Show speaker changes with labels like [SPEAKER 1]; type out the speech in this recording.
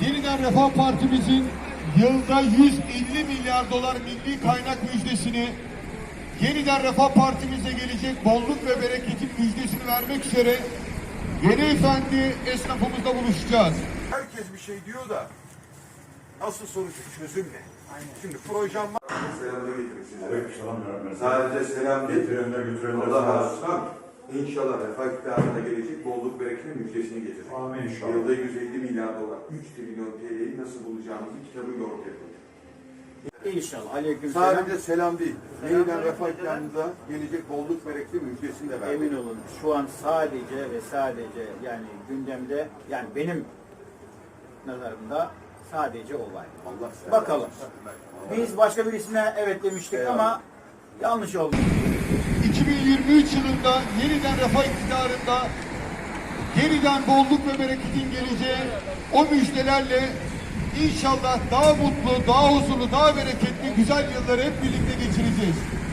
[SPEAKER 1] Yeniden Refah Partimizin yılda 150 milyar dolar milli kaynak müjdesini, Yeniden Refah Partimize gelecek bolluk ve bereketin müjdesini vermek üzere Yeni Efendi esnafımızla buluşacağız.
[SPEAKER 2] Herkes bir şey diyor da asıl sonucu çözüm ne? Şimdi projem var. Selamını getirmek size. Sadece selam getirenler Allah razı olsun. İnşallah Refah iktidarına gelecek bolluk bereketin müjdesini getirecek.
[SPEAKER 3] Amin inşallah.
[SPEAKER 2] Yılda 150 milyar dolar, 3 trilyon TL'yi nasıl bulacağımızı kitabıyla ortaya koyacak.
[SPEAKER 4] İnşallah. Aleykümselam.
[SPEAKER 2] Sadece selam değil. Yeniden Refah iktidarına gelecek bolluk bereketin müjdesini de verdik.
[SPEAKER 4] Emin olun şu an sadece ve sadece yani gündemde yani benim nazarımda sadece o var.
[SPEAKER 2] Allah size
[SPEAKER 4] Bakalım. Biz başka birisine evet demiştik ama yanlış oldu.
[SPEAKER 1] 2023 yılında yeniden refah iktidarında yeniden bolluk ve bereketin geleceği o müjdelerle inşallah daha mutlu, daha huzurlu, daha bereketli güzel yılları hep birlikte geçireceğiz.